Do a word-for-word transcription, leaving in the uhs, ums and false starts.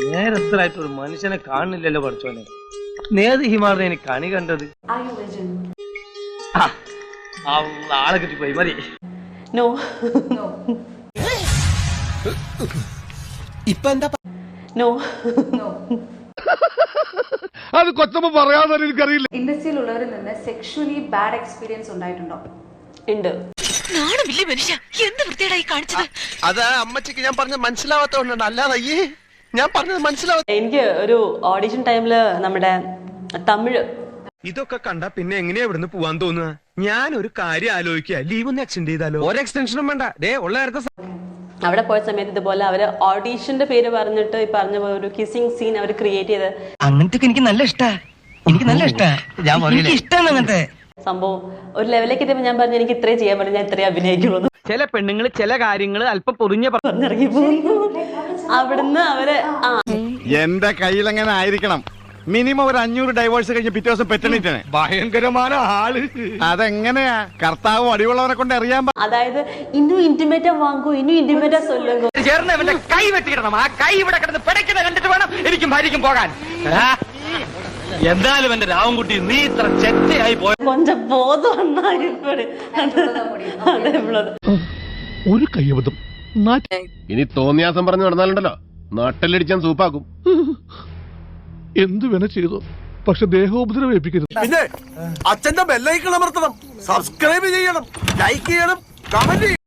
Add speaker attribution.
Speaker 1: നേരത്തിലായിട്ട് ഒരു മനുഷ്യനെ കാണുന്നില്ലല്ലോ പഠിച്ചോനെ. നേത് ഹിമാറിനെ എനിക്ക് കണി കണ്ടത്. ആളെ കിട്ടിപ്പോയി മതി.
Speaker 2: നോ
Speaker 3: ഇപ്പൊ എന്താ
Speaker 2: നോ
Speaker 4: അത് കൊച്ചമ്മ പറയാതെ എനിക്കറിയില്ല.
Speaker 5: ഇൻഡസ്ട്രിയിലുള്ളവരിൽ നിന്ന് സെക്ഷുവലി ബാഡ് എക്സ്പീരിയൻസ് ഉണ്ടായിട്ടുണ്ടോ?
Speaker 2: ഉണ്ട്.
Speaker 3: അത് അമ്മച്ചിക്ക് ഞാൻ പറഞ്ഞത് മനസ്സിലാവാത്തോണ്ടാണ്, അല്ലാതെ അയ്യേ ഞാൻ പറഞ്ഞത് മനസ്സിലാവാ.
Speaker 2: എനിക്ക് ഒരു ഓഡിഷൻ ടൈമില് നമ്മുടെ തമിഴ്
Speaker 6: ഇതൊക്കെ കണ്ടാ പിന്നെ എങ്ങനെയാ ഇവിടുന്ന് പോവാൻ തോന്നുക? ഞാൻ ഒരു കാര്യം ആലോചിക്കുക, ലീവ് ഒന്ന് എക്സ്റ്റെൻഡ് ചെയ്താലോ? ഒരു എക്സ്റ്റൻഷനും വേണ്ട, ദേ ഉള്ള നേരത്തെ
Speaker 2: അവിടെ പോയ സമയത്ത് ഇതുപോലെ അവര് ഓഡീഷന്റെ പേര് പറഞ്ഞിട്ട് ഈ പറഞ്ഞ പോലെ ഒരു കിസിംഗ് സീൻ അവർ ക്രിയേറ്റ് ചെയ്ത്.
Speaker 7: അങ്ങനത്തെ എനിക്ക് നല്ല ഇഷ്ടാ, എനിക്ക് നല്ല ഇഷ്ടാ, ഇഷ്ടമാണ് അങ്ങനത്തെ
Speaker 2: സംഭവം. ഒരു ലെവലിലേക്ക് എത്തിയപ്പോ ഞാൻ പറഞ്ഞു എനിക്ക് ഇത്രയും ചെയ്യാൻ പറ്റും, ഞാൻ ഇത്രയും അഭിനയിക്കുള്ളൂ.
Speaker 7: ചില പെണ്ണുങ്ങൾ ചില കാര്യങ്ങൾ അല്പം പൊറിഞ്ഞ
Speaker 2: പറഞ്ഞിറങ്ങി പോകുന്നു. അവിടുന്ന് അവര് ആ
Speaker 4: എന്റെ കയ്യിൽ എങ്ങനെ ആയിരിക്കണം മിനിമം ഒരു അഞ്ഞൂറ് ഡൈവേഴ്സ് കഴിഞ്ഞ് പിറ്റേ ദിവസം പെറ്റണിട്ടാണ്. ഭയങ്കരമായ ആള്. അതെങ്ങനെയാ കർത്താവ് അടിവുള്ളവരെ കൊണ്ട് അറിയാൻ.
Speaker 2: അതായത് ഇന്നും ഇന്റിമേറ്റാ വാങ്ങൂ, ഇന്നും ഇന്റിമേറ്റാ സൊല്ലുങ്കോ.
Speaker 7: ചേർന്ന് കൈ വെട്ടിക്കിടണം. ആ കൈ ഇവിടെ കിടന്ന് പിടയ്ക്കുന്നത് കണ്ടിട്ട് വേണം എനിക്കും ഭാര്യയ്ക്കും പോകാൻ.
Speaker 1: എന്തായാലും എന്റെ രാവൻകുട്ടി നീ ഇത്ര ചെറ്റയായി പോയ
Speaker 2: കൊഞ്ചം ബോധം
Speaker 4: ഒരു കയ്യബദ്ധം.
Speaker 8: ഇനി തോന്നിയാസം പറഞ്ഞു നടന്നാലുണ്ടല്ലോ നാട്ടിലടിച്ചാൻ സൂപ്പാക്കും.
Speaker 4: എന്തു വേണ ചെയ്തു, പക്ഷെ ദേഹോപദ്രവം ഏൽപ്പിക്കരുത്.
Speaker 3: പിന്നെ അച്ഛന്റെ ബെല്ലൈക്കൺ അമർത്തണം, സബ്സ്ക്രൈബ് ചെയ്യണം, ലൈക്ക് ചെയ്യണം, കമന്റ്